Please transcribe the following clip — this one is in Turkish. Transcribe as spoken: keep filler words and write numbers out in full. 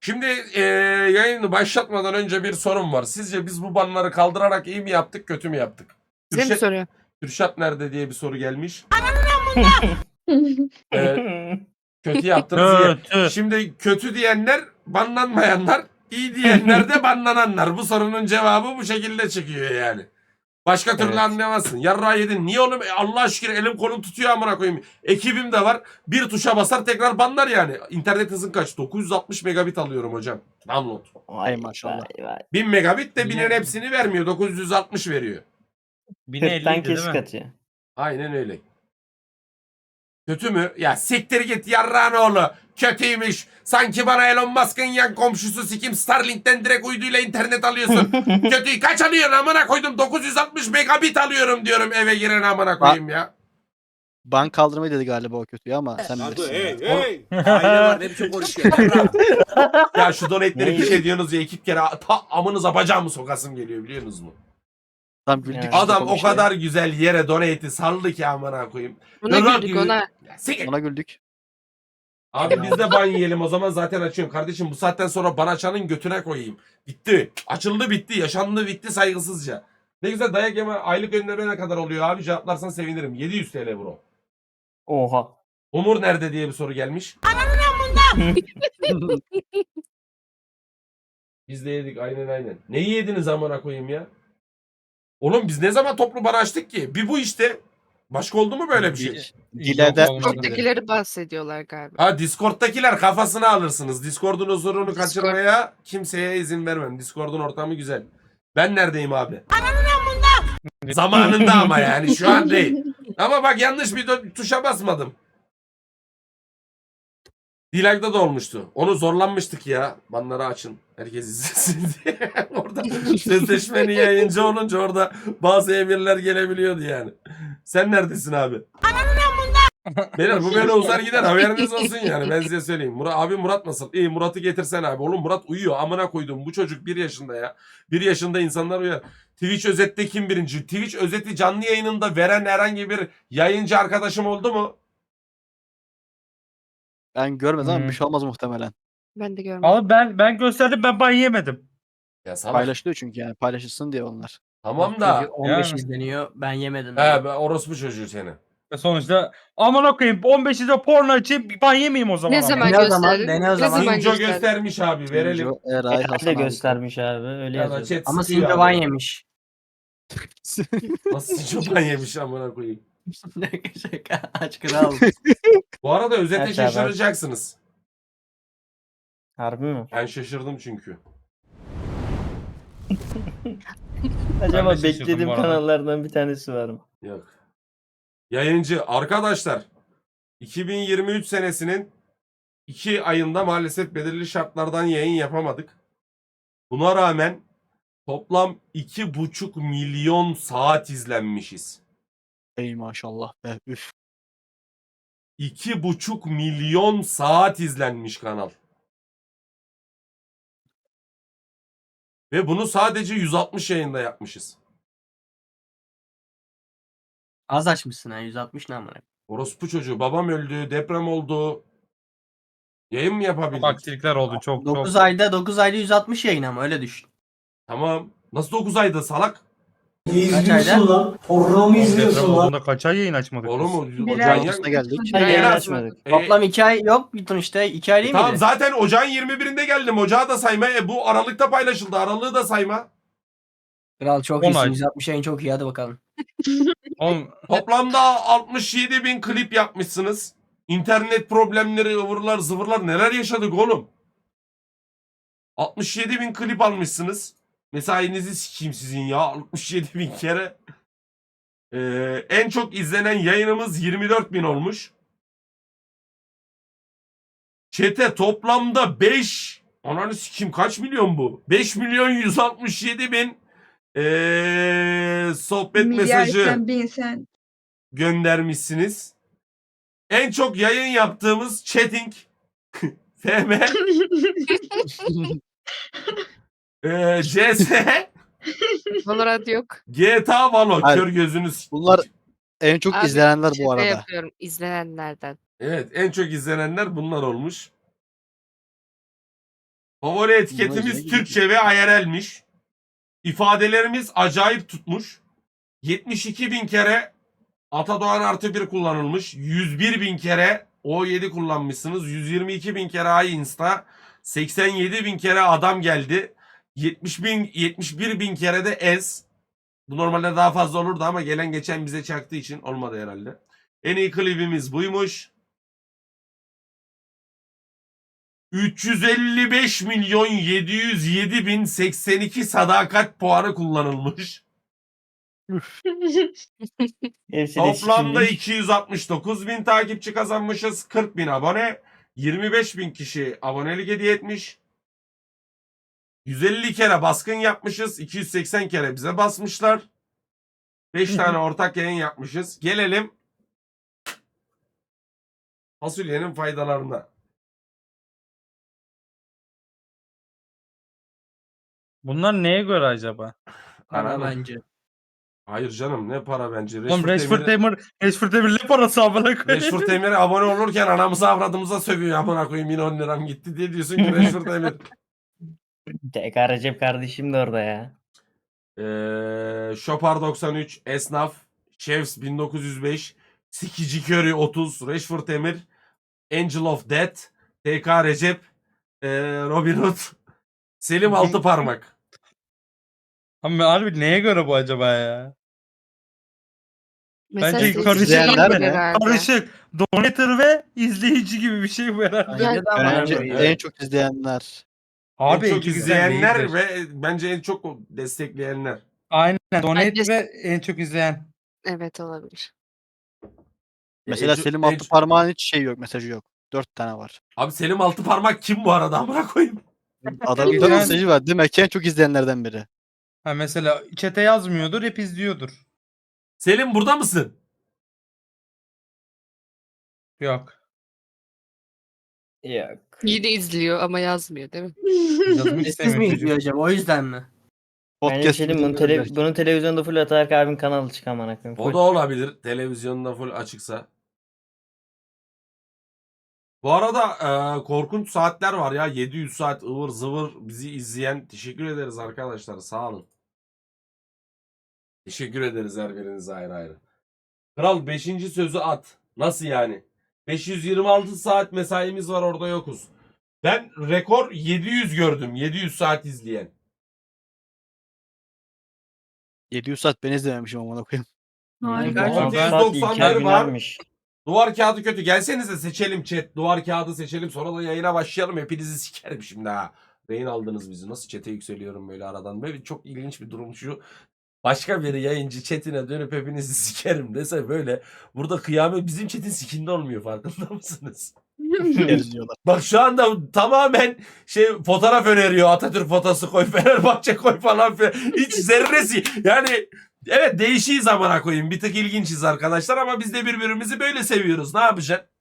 Şimdi e, yayını başlatmadan önce bir sorum var. Sizce biz bu banları kaldırarak iyi mi yaptık, kötü mü yaptık? Size mi Kürşat, soruyor? Kürşat nerede diye bir soru gelmiş. Evet, kötü yaptınız iyi. Kötü. Şimdi kötü diyenler banlanmayanlar, iyi diyenler de banlananlar. Bu sorunun cevabı bu şekilde çıkıyor yani. Başka türlü Evet. anlayamazsın. Yarrağı yedin. Niye oğlum? E, Allah şükür elim kolum tutuyor amına koyayım. Ekibim de var. Bir tuşa basar tekrar banlar yani. İnternet hızın kaç? dokuz yüz altmış megabit alıyorum hocam. Download. Vay maşallah. Vay vay. bin megabit de binin Yine- hepsini vermiyor. dokuz yüz altmış veriyor. Bine kırktan elliydi değil kesik mi? atıyor. Aynen öyle. Kötü mü? Ya siktir git yarrağın oğlu. Kötüymüş. Sanki bana Elon Musk'ın yan komşusu sikim Starlink'ten direkt uyduyla internet alıyorsun. Kötüyü kaç alıyorsun amına koydum? dokuz yüz altmış megabit alıyorum diyorum eve giren amına koyayım ya. Ban kaldırmayı dedi galiba o kötüyü ama sen Hadi bilirsin. hey ya. hey. Aile var ne biçim konuşuyor. Ya şu donate'leri Ne? piş ediyorsunuz ya iki kere ta amınıza bacağımı sokasım geliyor biliyorsunuz mu? Tam güldük. Evet. işte Adam o komşuya. kadar güzel yere donate'i saldı ki amına koyayım. Buna Yok, güldük yok. ona. Ya siktir. Ona güldük. Abi biz de ban yiyelim o zaman zaten açıyorum. Kardeşim bu saatten sonra ban açanın götüne koyayım. Bitti. Açıldı bitti. Yaşandı bitti saygısızca. Ne güzel dayak yeme aylık önleme ne kadar oluyor abi cevaplarsan sevinirim. yedi yüz TL bro. Oha. Umur nerede diye bir soru gelmiş. Biz de yedik aynen aynen. Neyi yediniz amına koyayım ya? Oğlum biz ne zaman toplu ban açtık ki? Bir bu işte. Başka oldu mu böyle bir şey? Dilede Yok, olmadı. Oradakileri bahsediyorlar galiba. Ha Discord'takiler kafasını alırsınız. Discord'un huzurunu Discord. kaçırmaya kimseye izin vermem. Discord'un ortamı güzel. Ben neredeyim abi? Zamanında ama yani şu an değil. Ama bak yanlış bir dö- tuşa basmadım. Dilag'da da olmuştu. Onu zorlanmıştık ya. Banları açın. Herkes izlesin diye. Orada sözleşmeni yayıncı olunca orada bazı emirler gelebiliyordu yani. Sen neredesin abi? Beyler bu böyle uzar gider haberiniz olsun yani ben size söyleyeyim. Murat, abi Murat nasıl? İyi Murat'ı getirsen abi. Oğlum Murat uyuyor amına koydum. Bu çocuk bir yaşında ya. Bir yaşında insanlar uyuyor. Twitch özette kim birinci? Twitch özeti canlı yayınında veren herhangi bir yayıncı arkadaşım oldu mu? ben görmedim ama Hmm. bir şey olmaz muhtemelen. Ben de görmedim. Abi ben ben gösterdim ben ban yemedim. Ya salak. Paylaşılıyor çünkü yani paylaşılsın diye onlar. Tamam da. Çocuk on beş Yani. izleniyor. Ben yemedim. He ben orospu çocuğu seni. Ve sonuçta aman okuyayım on beşinde porno açayım ban yemeyeyim o zaman. Ne ama. zaman Dene o zaman, gösterdin? dene o Ne zaman. zaman Sinco gösterdin? göstermiş abi verelim. Sinco, Eray, Ben Hasan de abi. göstermiş abi. Öyle Ya da yazıyor. chat Ama sıkıyor Sinco ban abi. yemiş. Nasıl Sinco ban yemiş amına koyayım. Şaka aç kral. Bu arada özete Aç abi, aç. şaşıracaksınız. Harbi mi? Ben şaşırdım çünkü. Acaba de şaşırdım beklediğim bu arada. kanallardan bir tanesi var mı? Yok. Yayıncı arkadaşlar iki bin yirmi üç senesinin iki ayında maalesef belirli şartlardan yayın yapamadık. Buna rağmen toplam iki buçuk milyon saat izlenmişiz. Ey maşallah be. Üf. iki buçuk milyon saat izlenmiş kanal. Ve bunu sadece yüz altmış yayında yapmışız. Az açmışsın ha yüz altmış ne amına. Orospu çocuğu babam öldü, deprem oldu. Yayın mı Çok yapabildik? aksilikler oldu çok dokuz çok. ayda dokuz ayda yüz altmış yayın ama öyle düşün. Tamam. Nasıl dokuz ayda salak? Kaç ayda? lan? Porno mu Deprem olduğunda kaç ay yayın açmadık Oğlum biz? o Bir ocağın ay. ya- Ortasına geldik. Hayır, en yayın az- açmadık. E, Toplam iki ay yok bittin işte. iki ay değil tamam miydi? zaten ocağın yirmi birinde geldim. Ocağı da sayma. E, bu Aralık'ta paylaşıldı. Aralığı da sayma. Kral çok On iyisin. ay. yüz altmış yayın çok iyi hadi bakalım. Oğlum, Toplamda altmış yedi bin klip yapmışsınız. İnternet problemleri, ıvırlar, zıvırlar neler yaşadık oğlum. altmış yedi bin klip almışsınız. Mesainizi sikeyim sizin ya. altmış yedi bin kere. Ee, en çok izlenen yayınımız yirmi dört bin olmuş. Çete toplamda beş ananı sikeyim kaç milyon bu? beş milyon yüz altmış yedi bin ee, sohbet Milyar mesajı sen, bin sen. göndermişsiniz. En çok yayın yaptığımız chatting F M ee, C S Valorant yok. G T A Valo Hayır. kör gözünüz. Bunlar en çok Abi, izlenenler bu Şaka arada. yapıyorum izlenenlerden. Evet en çok izlenenler bunlar olmuş. Favori etiketimiz Emoji'ye Türkçe ve I R L'miş. İfadelerimiz acayip tutmuş. yetmiş iki bin kere Atadoğan artı bir kullanılmış. yüz bir bin kere O yedi kullanmışsınız. yüz yirmi iki bin kere Ay Insta. seksen yedi bin kere adam geldi. yetmiş bin, yetmiş bir bin kere de Ez. Bu normalde daha fazla olurdu ama gelen geçen bize çaktığı için olmadı herhalde. En iyi klibimiz buymuş. üç yüz elli beş milyon yedi yüz yedi bin seksen iki sadakat puanı kullanılmış. Hepsi de Toplamda sikilmiş. iki yüz altmış dokuz bin takipçi kazanmışız. kırk bin abone. yirmi beş bin kişi abonelik hediye etmiş. yüz elli kere baskın yapmışız. iki yüz seksen kere bize basmışlar. beş tane ortak yayın yapmışız. Gelelim fasulyenin faydalarına. Bunlar neye göre acaba? Para Anladım. bence. Hayır canım ne para bence. Oğlum Rashford Rashford Demir'e- Demir, Rashford Demir ne parası amına koyayım? Rashford Demir'e abone olurken anamıza avradımıza sövüyor. Amına koyayım yine on liram gitti diye diyorsun ki Rashford Demir. T K Recep kardeşim de orada ya. Ee, Şopar doksan üç, Esnaf, Chefs bin dokuz yüz beş, Sikici Curry otuz, Rashford Emir, Angel of Death, T K Recep, ee, Robin Hood, Selim Altıparmak. Ama harbi neye göre bu acaba ya? Mesela Bence siz- karışık izleyenler Siz- ne? herhalde. Karışık. Donator ve izleyici gibi bir şey bu herhalde. Ya- Bence de ama Bence Evet. en çok izleyenler. Abi en çok ikisi de izleyenler değildir. ve bence en çok destekleyenler. Aynen. Donate Bence- ve en çok izleyen. Evet olabilir. Mesela En çok- Selim en altı çok- parmağın hiç şey yok, mesajı yok. Dört tane var. Abi Selim Altıparmak kim bu arada amına koyayım? Adamın Geçen- dört mesajı var. Demek ki en çok izleyenlerden biri. Ha mesela chat'e yazmıyordur, hep izliyordur. Selim burada mısın? Yok. Yok. Yine izliyor ama yazmıyor değil mi? Yazmak Siz mi istemiyor çocuk. izliyor acaba? O yüzden mi? Bence Podcast şey diyeyim, bunun, tele, bunun televizyonda full Ataberk abinin kanalı çık amına koyayım. O Full. da olabilir. Televizyonda full açıksa. Bu arada e, korkunç saatler var ya. yedi yüz saat ıvır zıvır bizi izleyen. Teşekkür ederiz arkadaşlar. Sağ olun. Teşekkür ederiz her birinize ayrı ayrı. Kral beşinci sözü at. Nasıl yani? beş yüz yirmi altı saat mesaimiz var orada yokuz. Ben rekor yedi yüz gördüm. yedi yüz saat izleyen. yedi yüz saat ben izlememişim amına koyayım. Harika. altı altı yüz saat doksan İlker bir var. Güner'miş. Duvar kağıdı kötü. Gelsenize seçelim chat. Duvar kağıdı seçelim. Sonra da yayına başlayalım. Hepinizi sikerim şimdi ha. Rehin aldınız bizi. Nasıl chat'e yükseliyorum böyle aradan. Böyle çok ilginç bir durum şu. Başka bir yayıncı chatine dönüp hepinizi sikerim dese böyle. Burada kıyamet bizim chat'in sikinde olmuyor. Farkında mısınız? Deriz diyorlar. Bak şu anda tamamen şey fotoğraf öneriyor. Atatürk fotosu koy, Fenerbahçe koy falan filan. Hiç zerresi. Yani evet değişiğiz amına koyayım. Bir tık ilginçiz arkadaşlar ama biz de birbirimizi böyle seviyoruz. Ne yapacaksın?